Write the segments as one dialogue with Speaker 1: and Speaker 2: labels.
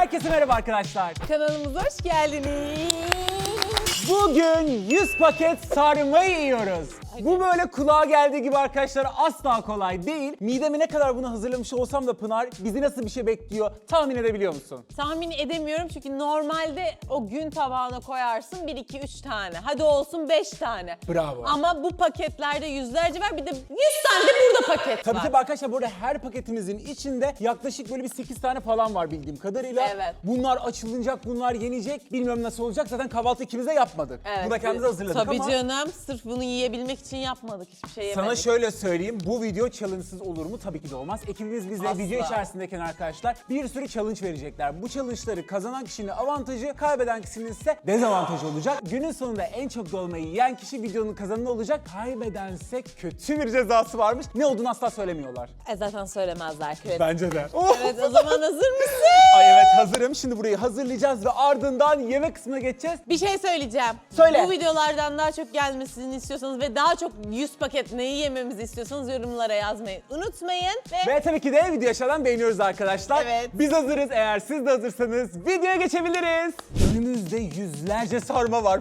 Speaker 1: Herkese merhaba arkadaşlar.
Speaker 2: Kanalımıza hoş geldiniz.
Speaker 1: Bugün 100 paket sarmayı yiyoruz. Bu böyle kulağa geldiği gibi arkadaşlar asla kolay değil. Mideme ne kadar bunu hazırlamış olsam da Pınar, bizi nasıl bir şey bekliyor tahmin edebiliyor musun?
Speaker 2: Tahmin edemiyorum çünkü normalde o gün tabağına koyarsın 1, 2, 3 tane. Hadi olsun 5 tane.
Speaker 1: Bravo.
Speaker 2: Ama bu paketlerde yüzlerce var, bir de 100 tane de burada paket
Speaker 1: Tabii
Speaker 2: var.
Speaker 1: tabii arkadaşlar, burada her paketimizin içinde yaklaşık böyle bir 8 tane falan var bildiğim kadarıyla.
Speaker 2: Evet.
Speaker 1: Bunlar açılacak, bunlar yenecek. Bilmiyorum nasıl olacak. Zaten kahvaltı ikimiz de yapmadık.
Speaker 2: Evet.
Speaker 1: Bunu da kendimiz hazırladık
Speaker 2: Tabii
Speaker 1: ama...
Speaker 2: canım, sırf bunu yiyebilmek için yapmadık, hiçbir şey yemedik.
Speaker 1: Sana şöyle söyleyeyim, bu video challenge'sız olur mu? Tabii ki de olmaz. Ekibimiz bize
Speaker 2: Asla.
Speaker 1: video içerisindeyken arkadaşlar bir sürü challenge verecekler. Bu challenge'ları kazanan kişinin avantajı, kaybeden kişinin ise dezavantajı olacak. Günün sonunda en çok dolmayı yiyen kişi videonun kazananı olacak. Kaybedense kötü bir cezası varmış. Ne olduğunu asla söylemiyorlar.
Speaker 2: Zaten söylemezler. Evet.
Speaker 1: Bence de.
Speaker 2: Evet, o zaman hazır mısın?
Speaker 1: Ay evet, hazırım. Şimdi burayı hazırlayacağız ve ardından yemek kısmına geçeceğiz.
Speaker 2: Bir şey söyleyeceğim.
Speaker 1: Söyle.
Speaker 2: Bu videolardan daha çok gelmesini istiyorsanız ve daha çok 100 paket neyi yememizi istiyorsanız yorumlara yazmayı unutmayın.
Speaker 1: Ve tabii ki de video aşağıdan beğeniyoruz arkadaşlar.
Speaker 2: Evet.
Speaker 1: Biz hazırız. Eğer siz de hazırsanız videoya geçebiliriz. Önümüzde yüzlerce sarma var.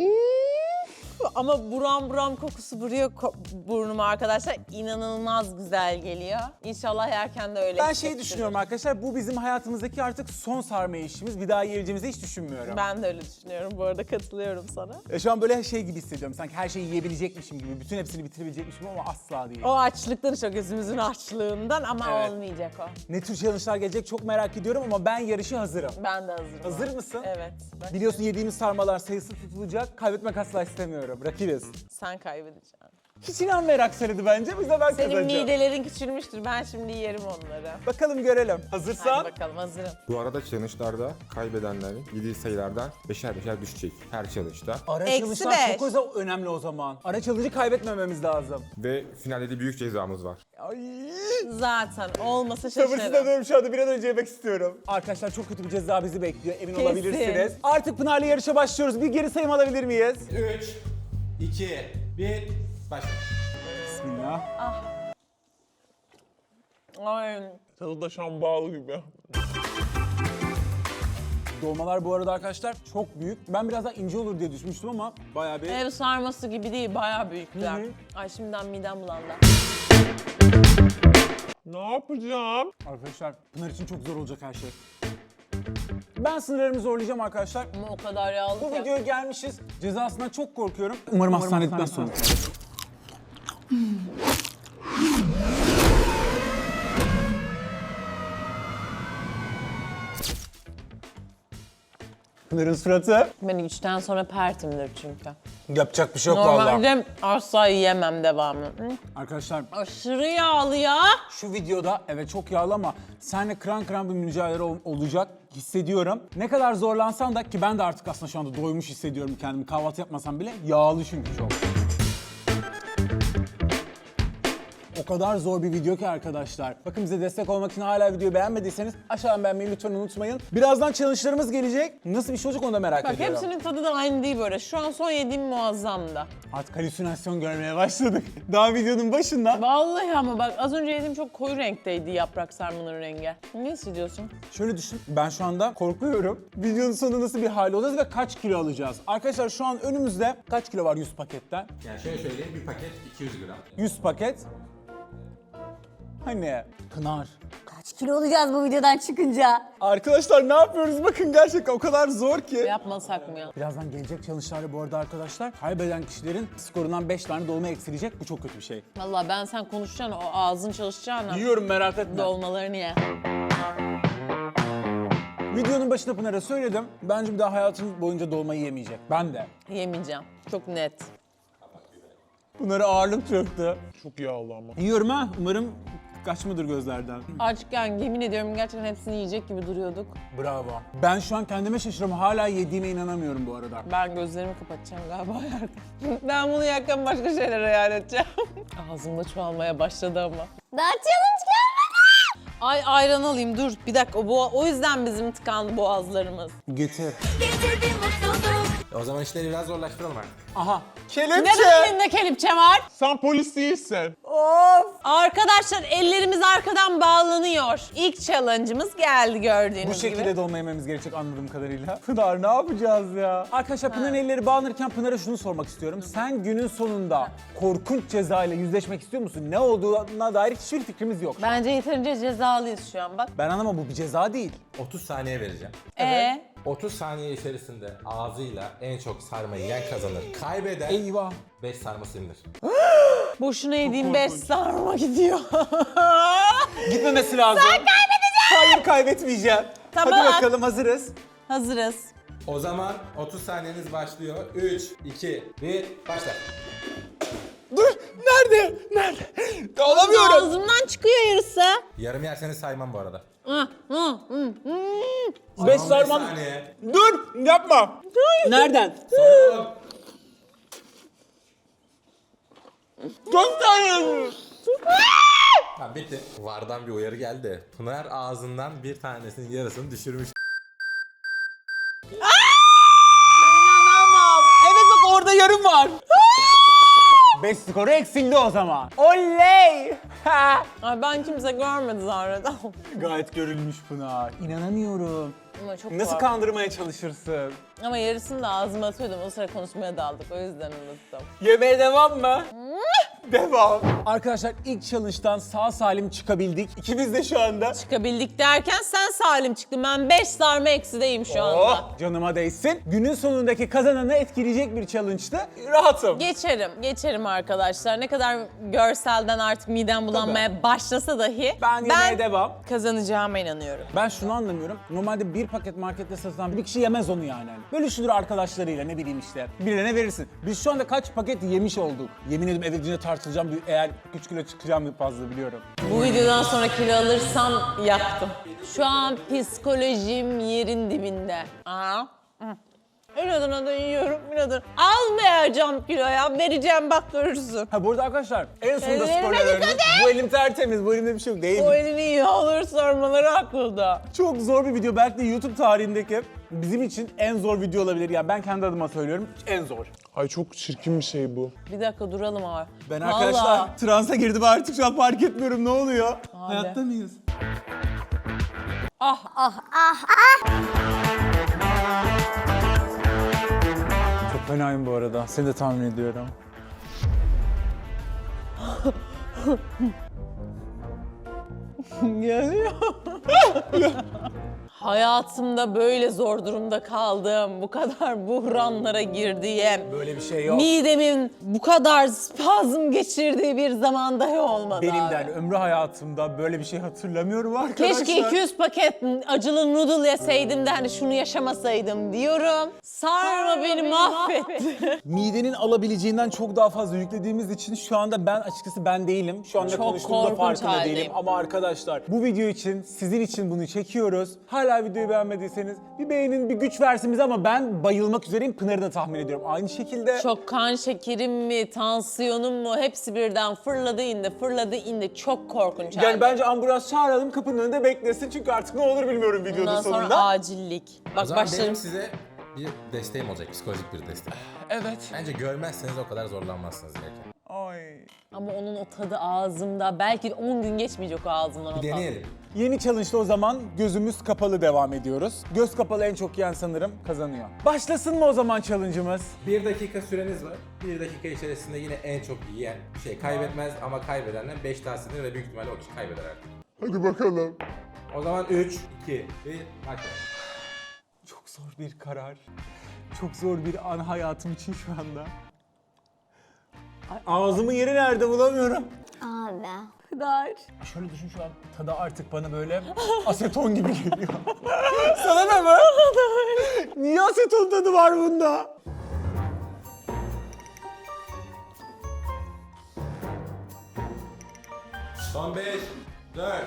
Speaker 2: Ama buram buram kokusu vuruyor burnuma arkadaşlar. İnanılmaz güzel geliyor. İnşallah yerken de öyle
Speaker 1: Ben
Speaker 2: hissettiririm.
Speaker 1: düşünüyorum arkadaşlar, bu bizim hayatımızdaki artık son sarma işimiz. Bir daha yiyeceğimizi hiç düşünmüyorum.
Speaker 2: Ben de öyle düşünüyorum. Bu arada katılıyorum sana.
Speaker 1: Şu an böyle şey gibi hissediyorum. Sanki her şeyi yiyebilecekmişim gibi. Bütün hepsini bitirebilecekmişim ama asla değil.
Speaker 2: O açlıktan, işte gözümüzün açlığından ama
Speaker 1: Evet.
Speaker 2: olmayacak o.
Speaker 1: Ne tür challenge'lar gelecek çok merak ediyorum ama ben yarışa hazırım.
Speaker 2: Ben de hazırım.
Speaker 1: Hazır mısın?
Speaker 2: Evet. Bak,
Speaker 1: Biliyorsun yediğimiz sarmalar sayısı tutulacak. Kaybetmek asla istemiyorum. Rakibiz.
Speaker 2: sen kaybedeceksin.
Speaker 1: Hiç inanmayarak söyledi bence. Biz de ben
Speaker 2: Senin
Speaker 1: kazanacağım.
Speaker 2: midelerin küçülmüştür. Ben şimdi yerim onları.
Speaker 1: Bakalım görelim. Hazırsan.
Speaker 2: Hadi bakalım, hazırım.
Speaker 3: Bu arada challenge'larda kaybedenlerin yediği sayılardan beşer beşer düşecek her challenge'da.
Speaker 1: Ara
Speaker 2: Eksi
Speaker 1: challenge'lar çok
Speaker 2: beş.
Speaker 1: önemli o zaman. Ara challenge'ı kaybetmememiz lazım.
Speaker 3: Ve finalde de büyük cezamız var.
Speaker 1: Ay.
Speaker 2: Zaten olmasa şaşırırım.
Speaker 1: Sabırsızlanıyorum şu anda, bir an önce yemek istiyorum. Arkadaşlar çok kötü bir ceza bizi bekliyor, emin
Speaker 2: Kesin.
Speaker 1: olabilirsiniz. Artık Pınar'la yarışa başlıyoruz. Bir geri sayım alabilir miyiz?
Speaker 4: 3, 2, 1, başla.
Speaker 1: Bismillah.
Speaker 2: Ay.
Speaker 4: Tadı da şan bağlı gibi.
Speaker 1: Dolmalar bu arada arkadaşlar çok büyük. Ben biraz daha ince olur diye düşünmüştüm ama bayağı bir...
Speaker 2: Ev sarması gibi değil, bayağı büyükler.
Speaker 1: Hı hı.
Speaker 2: Ay şimdiden midem bulandı.
Speaker 4: Ne yapacağım?
Speaker 1: Arkadaşlar Pınar için çok zor olacak her şey. Ben sınırlarımı zorlayacağım arkadaşlar.
Speaker 2: Ama o kadar yağlı
Speaker 1: Bu
Speaker 2: ki.
Speaker 1: videoya gelmişiz. Cezasından çok korkuyorum. Umarım hastaneden sonra. Pınar'ın suratı.
Speaker 2: Ben 3'ten sonra pertimdir çünkü.
Speaker 1: Yapacak bir şey yok vallahi.
Speaker 2: Normalde asla yiyemem devamlı. Hı?
Speaker 1: Arkadaşlar
Speaker 2: Aşırı yağlı ya.
Speaker 1: şu videoda evet çok yağlı ama seninle kıran kıran bir mücadele olacak hissediyorum. Ne kadar zorlansam da, ki ben de artık aslında şu anda doymuş hissediyorum kendimi, kahvaltı yapmasam bile, yağlı çünkü çok. O kadar zor bir video ki arkadaşlar. Bakın, bize destek olmak için hala videoyu beğenmediyseniz aşağıdan beğenmeyi lütfen unutmayın. Birazdan challenge'larımız gelecek. Nasıl bir şey olacak onu da merak
Speaker 2: Bak
Speaker 1: ediyorum.
Speaker 2: hepsinin tadı da aynı değil böyle. Şu an son yediğim muazzamdı.
Speaker 1: Artık halüsinasyon görmeye başladık. Daha videonun başında.
Speaker 2: Vallahi ama bak az önce yediğim çok koyu renkteydi yaprak sarmanın rengi. Ne hissediyorsun?
Speaker 1: Şöyle düşün, ben şu anda korkuyorum. Videonun sonunda nasıl bir hal olacağız ve kaç kilo alacağız? Arkadaşlar şu an önümüzde kaç kilo var 100 paketten?
Speaker 4: Yani şöyle söyleyeyim, bir paket 200 gram.
Speaker 1: 100 paket. Hani Pınar.
Speaker 5: Kaç kilo olacağız bu videodan çıkınca?
Speaker 1: Arkadaşlar ne yapıyoruz? Bakın gerçekten o kadar zor ki.
Speaker 2: Yapmasak mı ya?
Speaker 1: Birazdan gelecek challenge'larda bu arada arkadaşlar kaybeden kişilerin skorundan 5 tane dolma eksilecek. Bu çok kötü bir şey.
Speaker 2: Vallahi ben sen konuşacaksın, o ağzın çalışacağına
Speaker 1: Yiyorum, merak etme.
Speaker 2: dolmalarını ye.
Speaker 1: Videonun başında Pınar'a söyledim. Bence bir daha hayatım boyunca dolma yiyemeyecek. Ben de.
Speaker 2: Yemeyeceğim. Çok net.
Speaker 1: Pınar'a ağırlık çöktü.
Speaker 4: Çok yağlı ama.
Speaker 1: Yiyorum ha. Umarım kaçmadır gözlerden.
Speaker 2: Açken yemin ediyorum gerçekten hepsini yiyecek gibi duruyorduk.
Speaker 1: Bravo. Ben şu an kendime şaşırıyorum. Hala yediğime inanamıyorum bu arada.
Speaker 2: Ben gözlerimi kapatacağım galiba yerken. Ben bunu yerken başka şeyler hayal edeceğim. Ağzımda çoğalmaya başladı ama.
Speaker 5: Daha challenge gelmedi.
Speaker 2: Ay ayran alayım dur bir dakika o yüzden bizim tıkandı boğazlarımız.
Speaker 1: Getir.
Speaker 5: Getirdim mutluluk.
Speaker 6: O zaman işleri biraz zorlaştıralım artık.
Speaker 1: Aha.
Speaker 2: Neden elinde kelepçe var?
Speaker 4: Sen polis değilsin.
Speaker 2: Arkadaşlar ellerimiz arkadan bağlanıyor. İlk challenge'ımız geldi gördüğünüz
Speaker 1: Bu
Speaker 2: gibi.
Speaker 1: şekilde dolma yememiz gerekecek anladığım kadarıyla. Pınar ne yapacağız ya? Arkadaşlar Pınar'ın elleri bağlanırken Pınar'a şunu sormak istiyorum. Sen günün sonunda korkunç ceza ile yüzleşmek istiyor musun? Ne olduğuna dair hiçbir fikrimiz yok.
Speaker 2: Bence yeterince cezalıyız şu an bak.
Speaker 1: Ben anlamam, bu bir ceza değil.
Speaker 6: 30 saniye vereceğim. 30 saniye içerisinde ağzıyla en çok sarmayı yiyen kazanır. Kaybeden
Speaker 1: Eyvah.
Speaker 6: 5 sarması indir.
Speaker 2: Boşuna yediğim 5 sarma gidiyor.
Speaker 1: Gitmemesi lazım. Sen kaybedeceksin. Hayır, kaybetmeyeceğim.
Speaker 2: Tamam.
Speaker 1: Hadi bakalım, hazırız.
Speaker 2: Hazırız.
Speaker 6: O zaman 30 saniyeniz başlıyor. 3, 2, 1, başla.
Speaker 1: Dur, nerede? Nerede? Alamıyorum.
Speaker 2: Ağzımdan çıkıyor yarısı.
Speaker 6: Yarım yerseniz saymam bu arada.
Speaker 1: 5
Speaker 6: 15
Speaker 1: sarmam.
Speaker 6: saniye.
Speaker 1: Dur, yapma. Nereden?
Speaker 6: Son.
Speaker 1: Çok tanrım.
Speaker 6: Tamam bitti. Vardan bir uyarı geldi. Pınar ağzından bir tanesinin yarısını düşürmüş.
Speaker 1: İnanamam. Evet bak, orada yarım var. 5 skoru eksildi o zaman. Oley. Ha.
Speaker 2: Ay ben kimse görmedi zaten.
Speaker 1: Gayet görülmüş Pınar. İnanamıyorum.
Speaker 2: Ama çok
Speaker 1: Nasıl
Speaker 2: korktum.
Speaker 1: kandırmaya çalışırsın?
Speaker 2: Ama yarısını da ağzıma atıyordum. O sıra konuşmaya daldık. O yüzden unuttum.
Speaker 1: Yemeğe devam mı? Devam. Arkadaşlar ilk challenge'dan sağ salim çıkabildik. İkimiz de şu anda.
Speaker 2: Çıkabildik derken sen salim çıktın. Ben 5 sarma eksideyim şu anda.
Speaker 1: Oh, canıma değsin. Günün sonundaki kazananı etkileyecek bir challenge'tı. Rahatım.
Speaker 2: Geçerim arkadaşlar. Ne kadar görselden artık midem bulanmaya başlasa dahi
Speaker 1: Ben yemeğe devam.
Speaker 2: kazanacağıma inanıyorum.
Speaker 1: Ben şunu anlamıyorum. Normalde bir paket markette satılan bir kişi yemez onu yani. Bölüşülür arkadaşlarıyla, ne bileyim işte. Birine verirsin. Biz şu anda kaç paket yemiş olduk? Yemin ederim eve gidince tartılacağım. Eğer 3 kilo çıkacağım fazla biliyorum.
Speaker 2: Bu videodan sonra kilo alırsam yaktım. Şu an psikolojim yerin dibinde. Aa. İnadına da yiyorum, inadına. Almayacağım kiloya, vereceğim bak görürsün.
Speaker 1: Ha bu arada arkadaşlar en sonunda
Speaker 2: Ellerime
Speaker 1: spoiler
Speaker 2: dikkat
Speaker 1: verdim. Bu elim tertemiz, bu elimde bir şey yok değil
Speaker 2: O
Speaker 1: mi?
Speaker 2: elini iyi alır sormaları aklımda.
Speaker 1: Çok zor bir video. Belki de YouTube tarihindeki bizim için en zor video olabilir. Yani ben kendi adıma söylüyorum, en zor.
Speaker 4: Ay çok çirkin bir şey bu.
Speaker 2: Bir dakika duralım abi.
Speaker 1: Ben
Speaker 2: Vallahi.
Speaker 1: arkadaşlar transa girdim, artık şu an fark etmiyorum, ne oluyor? Hayatta mıyız? Çok fenayım bu arada. Seni de tahmin ediyorum.
Speaker 2: Geliyor. Hayatımda böyle zor durumda kaldığım, bu kadar buhranlara girdiğim,
Speaker 1: Böyle bir şey yok.
Speaker 2: midemin bu kadar spazm geçirdiği bir zaman dahi olmadı
Speaker 1: Benim
Speaker 2: abi.
Speaker 1: de hani ömrü hayatımda böyle bir şey hatırlamıyorum arkadaşlar.
Speaker 2: Keşke 200 paket acılı noodle yeseydim de hani şunu yaşamasaydım diyorum. Sarma beni mahvetti.
Speaker 1: Midenin alabileceğinden çok daha fazla yüklediğimiz için şu anda ben açıkçası ben değilim. Şu anda
Speaker 2: Çok
Speaker 1: konuştuğumda
Speaker 2: korkunç
Speaker 1: farkında
Speaker 2: haldeyim.
Speaker 1: değilim. Ama arkadaşlar bu video için, sizin için bunu çekiyoruz. Hala videoyu beğenmediyseniz bir beğenin, bir güç versin bize, ama ben bayılmak üzereyim. Pınar'ı da tahmin ediyorum. Aynı şekilde.
Speaker 2: Çok kan şekerim mi, tansiyonum mu hepsi birden fırladı indi. Çok korkunç
Speaker 1: Yani
Speaker 2: halde.
Speaker 1: bence ambulans çağıralım, kapının önünde beklesin. Çünkü artık ne olur bilmiyorum videonun
Speaker 2: Bundan sonra
Speaker 1: sonunda.
Speaker 2: acillik.
Speaker 6: O
Speaker 2: Bak
Speaker 6: zaman
Speaker 2: başlarım.
Speaker 6: benim size bir desteğim olacak, psikolojik bir destek.
Speaker 1: Evet.
Speaker 6: Bence görmezseniz o kadar zorlanmazsınız belki.
Speaker 1: Ay.
Speaker 2: Ama onun o tadı ağzımda. Belki 10 gün geçmeyecek o ağzımdan o
Speaker 6: Bir
Speaker 2: tadı.
Speaker 6: deneyelim.
Speaker 1: Yeni challenge'da o zaman gözümüz kapalı devam ediyoruz. Göz kapalı en çok yiyen sanırım kazanıyor. Başlasın mı o zaman challenge'ımız?
Speaker 6: 1 dakika süreniz var. 1 dakika içerisinde yine en çok yiyen kaybetmez ama kaybedenden 5 tanesini ve büyük ihtimalle o kişi kaybeder artık.
Speaker 4: Hadi bakalım.
Speaker 6: O zaman 3, 2, 1, başla.
Speaker 1: Çok zor bir karar. Çok zor bir an hayatım için şu anda. Ay, ağzımın yeri nerede bulamıyorum.
Speaker 5: Abi. Pınar.
Speaker 1: Şöyle düşün, şu an tadı artık bana böyle aseton gibi geliyor. Sana da mı? Niye aseton tadı var bunda?
Speaker 6: Son 5, 4,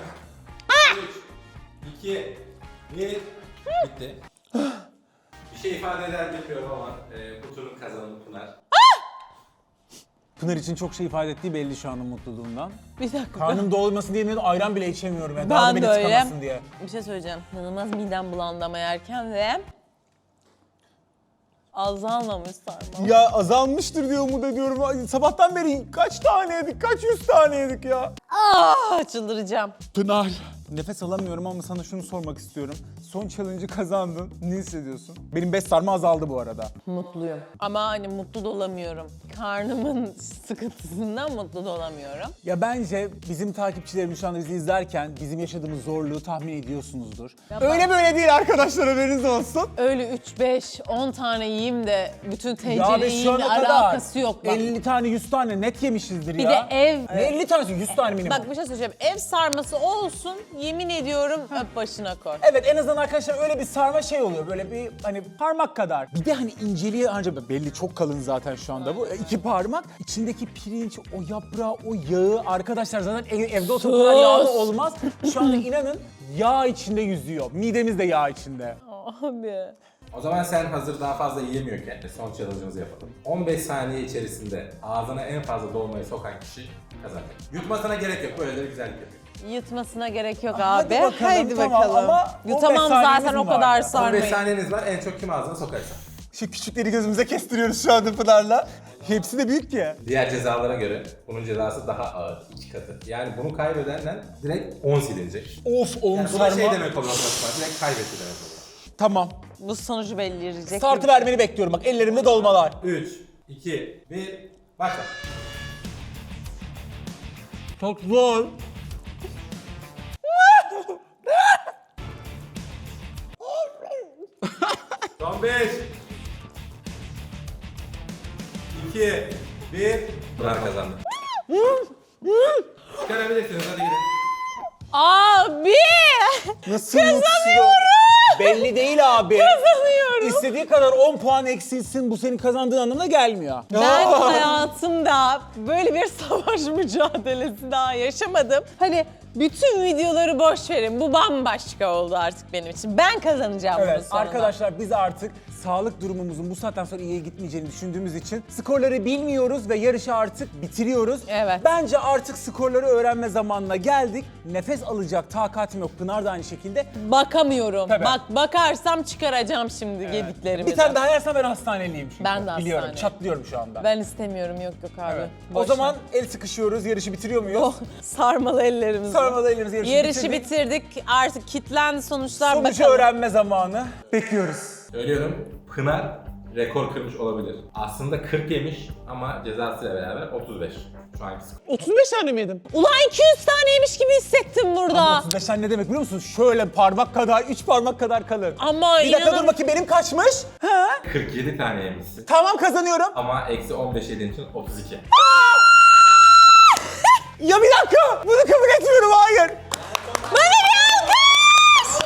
Speaker 6: 3, 2, 1, bitti. Bir şey ifade eder bilmiyorum ama bu turun kazananı Pınar.
Speaker 1: Pınar için çok şey ifade ettiği belli şu anın mutluluğundan.
Speaker 2: Bir dakika.
Speaker 1: Karnım doymasın diye ayran bile içemiyorum. Yani. Daha da
Speaker 2: Ben
Speaker 1: beni
Speaker 2: de öyle.
Speaker 1: tıkamasın diye.
Speaker 2: Bir şey söyleyeceğim. İnanılmaz midem bulandı ama yerken ve Azalmamış sarma.
Speaker 1: Ya azalmıştır diye umut ediyorum. Ay, sabahtan beri kaç tane yedik, kaç yüz tane yedik ya.
Speaker 2: Çıldıracağım.
Speaker 1: Pınar, nefes alamıyorum ama sana şunu sormak istiyorum. Son challenge'ı kazandın. Ne hissediyorsun? Benim 5 sarma azaldı bu arada.
Speaker 2: Mutluyum. Ama hani mutlu da olamıyorum. Karnımın sıkıntısından mutlu da olamıyorum.
Speaker 1: Ya bence bizim takipçilerimiz şu anda bizi izlerken bizim yaşadığımız zorluğu tahmin ediyorsunuzdur. Öyle böyle değil arkadaşlar, haberiniz olsun.
Speaker 2: Öyle 3, 5, 10 tane yiyeyim de bütün
Speaker 1: Ya
Speaker 2: tencere
Speaker 1: biz şu
Speaker 2: yiyeyim de
Speaker 1: ana kadar
Speaker 2: alakası yok. Bak,
Speaker 1: 50 tane 100 tane net yemişizdir
Speaker 2: bir
Speaker 1: ya.
Speaker 2: de ev...
Speaker 1: Ne 50 tanesi 100 tane minimum.
Speaker 2: Bak bir şey söyleyeceğim. Ev sarması olsun, yemin ediyorum öp başına koy.
Speaker 1: Evet, en azından arkadaşlar öyle bir sarma şey oluyor, böyle bir hani parmak kadar. Bir de hani inceliği ancak belli, çok kalın zaten şu anda bu. 2 parmak. İçindeki pirinç, o yaprağı, o yağı arkadaşlar zaten evde o kadar yağlı olmaz. Şu anda inanın yağ içinde yüzüyor. Midemiz de yağ içinde.
Speaker 2: Abi.
Speaker 6: O zaman sen hazır daha fazla yiyemiyorken son challenge'ımızı yapalım. 15 saniye içerisinde ağzına en fazla dolmayı sokan kişi kazanacak. Yutmasına gerek yok, böyle de bir güzellik yapıyor.
Speaker 2: Yutmasına gerek yok
Speaker 1: Hadi
Speaker 2: abi.
Speaker 1: bakalım,
Speaker 2: Haydi
Speaker 1: tamam
Speaker 2: bakalım.
Speaker 1: ama 15
Speaker 2: Yutamam
Speaker 1: saniyemiz
Speaker 2: zaten o
Speaker 1: mi
Speaker 2: kadar
Speaker 1: vardı?
Speaker 6: 15
Speaker 2: sarmayı.
Speaker 6: saniyeniz var, en çok kim ağzına sokarsa.
Speaker 1: Şu küçükleri gözümüze kestiriyoruz şu anda Pınar'la. Hepsi de büyük ki.
Speaker 6: Diğer cezalara göre bunun cezası daha ağır, 2 katı. Yani bunu kaybedenden direkt 10 silinecek.
Speaker 1: Of, oğlum
Speaker 6: Yani bu da
Speaker 1: sarma.
Speaker 6: şey demek oluyor, direkt kaybetti demek oluyor.
Speaker 1: Tamam.
Speaker 2: Bu sonucu belirleyecek.
Speaker 1: Startı vermeni bekliyorum, bak ellerimde dolmalar.
Speaker 6: 3, 2, 1, başla.
Speaker 1: Çok zor.
Speaker 6: Son 5, 2, 1, Pınar kazandı. Çıkarabilirsiniz, hadi gidin.
Speaker 2: Abi!
Speaker 1: Nasıl mutsuz? Belli değil abi.
Speaker 2: Kazanıyorum.
Speaker 1: İstediği kadar 10 puan eksilsin, bu senin kazandığın anlamına gelmiyor.
Speaker 2: Ben hayatımda böyle bir savaş mücadelesi daha yaşamadım. Hani bütün videoları boş verin. Bu bambaşka oldu artık benim için. Ben kazanacağım bunun
Speaker 1: Evet
Speaker 2: sonunda.
Speaker 1: arkadaşlar, biz artık sağlık durumumuzun bu saatten sonra iyiye gitmeyeceğini düşündüğümüz için skorları bilmiyoruz ve yarışı artık bitiriyoruz.
Speaker 2: Evet.
Speaker 1: Bence artık skorları öğrenme zamanına geldik. Nefes alacak takatim yok. Pınar da aynı şekilde.
Speaker 2: Bakamıyorum.
Speaker 1: Tabii.
Speaker 2: Bak bakarsam çıkaracağım şimdi yediklerimi.
Speaker 1: Bir tane daha yersen ben hastaneliyim çünkü.
Speaker 2: Ben de
Speaker 1: Biliyorum,
Speaker 2: hastane.
Speaker 1: çatlıyorum şu anda.
Speaker 2: Ben istemiyorum, yok abi.
Speaker 1: Evet.
Speaker 2: Boş
Speaker 1: O zaman
Speaker 2: ver.
Speaker 1: el sıkışıyoruz, yarışı bitiriyor muyuz?
Speaker 2: Oh, sarmalı ellerimiz.
Speaker 1: Sarmada ellerimizi
Speaker 2: Yarışı bitirdik. Artık kitlendi sonuçlar.
Speaker 1: Sonucu
Speaker 2: bakalım.
Speaker 1: öğrenme zamanı. Bekliyoruz.
Speaker 6: Söylüyorum, Pınar rekor kırmış olabilir. Aslında 40 yemiş ama cezasıyla beraber 35. Şu anki skor.
Speaker 4: 35 tane mi yedim?
Speaker 2: Ulan 200 taneymiş gibi hissettim burada.
Speaker 1: 35 tane ne demek biliyor musun? Şöyle parmak kadar, 3 parmak kadar kalır.
Speaker 2: Ama
Speaker 1: Bir dakika
Speaker 2: inanın-
Speaker 1: dur bakayım, benim kaçmış? Ha?
Speaker 6: 47 tane yemişsin.
Speaker 1: Tamam, kazanıyorum.
Speaker 6: Ama eksi 15 yediğin için 32.
Speaker 1: Ya bir dakika, bunu kabul etmiyorum, hayır.
Speaker 2: Bana bir alkış!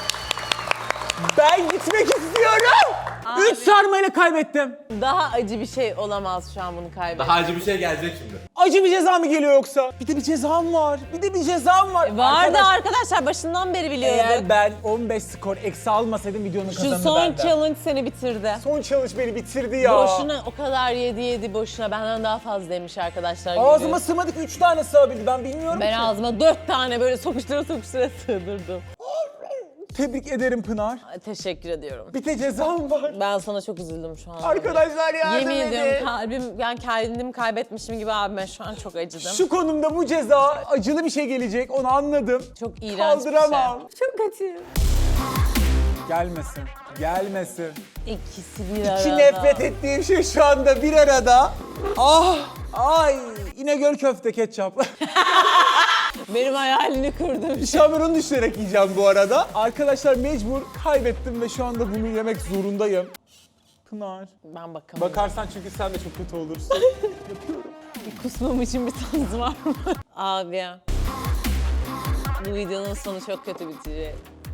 Speaker 1: Ben gitmek istiyorum. 3 sarmayla kaybettim.
Speaker 2: Daha acı bir şey olamaz şu an bunu kaybetmek.
Speaker 6: Daha acı bir şey gelecek şimdi.
Speaker 1: Acı bir ceza mı geliyor yoksa? Bir de bir cezam var.
Speaker 2: Vardı arkadaşlar, başından beri biliyorduk.
Speaker 1: Eğer ben 15 skor eksi almasaydım videonun
Speaker 2: Şu
Speaker 1: kazanını
Speaker 2: son
Speaker 1: benden.
Speaker 2: challenge seni bitirdi.
Speaker 1: Son challenge beni bitirdi ya.
Speaker 2: Boşuna o kadar yedi boşuna, benden daha fazla yemiş arkadaşlar.
Speaker 1: Ağzıma
Speaker 2: görüyoruz.
Speaker 1: sığmadı ki 3 tane sığabildi, ben bilmiyorum
Speaker 2: Ben
Speaker 1: ki.
Speaker 2: ağzıma 4 tane böyle sokuştura sığdırdım.
Speaker 1: Tebrik ederim Pınar.
Speaker 2: Ay, teşekkür ediyorum.
Speaker 1: Bir de cezam var.
Speaker 2: Ben sana çok üzüldüm şu an.
Speaker 1: Arkadaşlar yardım
Speaker 2: Yemin ediyorum
Speaker 1: edin.
Speaker 2: kalbim, yani kendimi kaybetmişim gibi abi, ben şu an çok acıdım.
Speaker 1: Şu konumda bu ceza acılı bir şey gelecek, onu anladım.
Speaker 2: Çok iğrenç
Speaker 1: Kaldıramam.
Speaker 2: bir şey. Çok acı.
Speaker 1: Gelmesin. Gelmesin.
Speaker 2: İkisi bir arada.
Speaker 1: İki nefret ettiğim şey şu anda bir arada. Ah! Ay! İnegöl köfte ketçap.
Speaker 2: Benim hayalini kurdum.
Speaker 1: Şu an ben onu düşünerek yiyeceğim bu arada. Arkadaşlar mecbur kaybettim ve şu anda bunu yemek zorundayım. Pınar.
Speaker 2: Ben bakamam.
Speaker 1: Bakarsan çünkü sen de çok kötü olursun.
Speaker 2: Kusmam için bir tanız var mı? Abi. Bu videonun sonu çok kötü bitecek.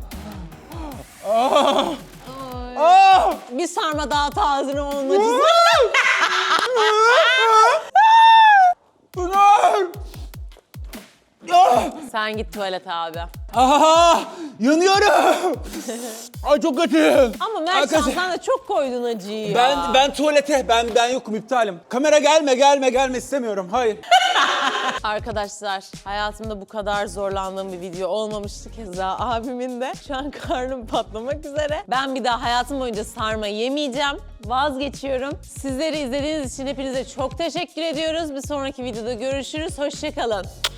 Speaker 1: Ah!
Speaker 2: Bir sarma daha tazini olmak istiyorum.
Speaker 1: Pınar! Ah!
Speaker 2: Sen git tuvalete abi.
Speaker 1: Ah! Yanıyorum. Ay çok kötü.
Speaker 2: Ama Mertcan
Speaker 1: Arkadaşlar,
Speaker 2: sen de çok koydun acıyı ya.
Speaker 1: ben tuvalete ben yokum, iptalim. Kamera gelme istemiyorum. Hayır.
Speaker 2: Arkadaşlar hayatımda bu kadar zorlandığım bir video olmamıştı keza abimin de. Şu an karnım patlamak üzere. Ben bir daha hayatım boyunca sarma yemeyeceğim. Vazgeçiyorum. Sizleri izlediğiniz için hepinize çok teşekkür ediyoruz. Bir sonraki videoda görüşürüz. Hoşça kalın.